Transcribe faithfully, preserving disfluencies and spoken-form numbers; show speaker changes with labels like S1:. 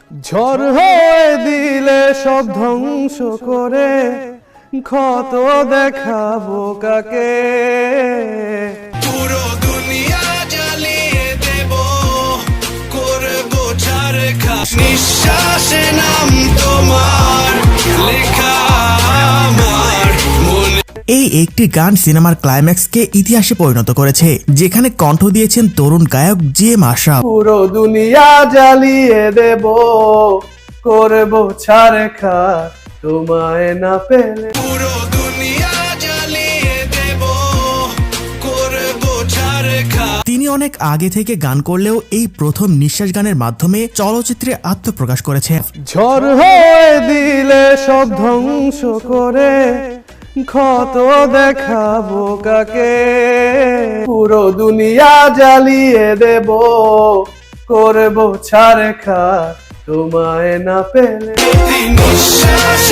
S1: ঝড় হয়ে দিলে সব ধ্বংস করে ক্ষত দেখাবো কাকে।
S2: পুরো দুনিয়া জ্বালিয়ে দেব, করবো ছারখার। নিঃশ্বাসে নাম তোমার লেখা আমার মনে।
S3: এই একটি গান সিনেমার ক্লাইম্যাক্সকে ইতিহাসে পরিণত করেছে, যেখানে কণ্ঠ দিয়েছেন তরুণ গায়ক জি এম আশরাফ।
S1: পুরো দুনিয়া জ্বালিয়ে দেব, করবো ছারখার তোমায় না পেলে।
S2: পুরো দুনিয়া জ্বালিয়ে দেব, করবো ছারখার।
S3: তিনি অনেক আগে থেকে গান করলেও এই প্রথম নিঃশ্বাস গানের মাধ্যমে চলচ্চিত্রে আত্মপ্রকাশ করেছেন।
S1: ঝড় হয়ে দিলে সব ধ্বংস করে ক্ষত দেখাবো কাকে। পুরো দুনিয়া জ্বালিয়ে দেব, করবো ছারখার তোমায় না পেলে।
S2: নিঃশ্বাস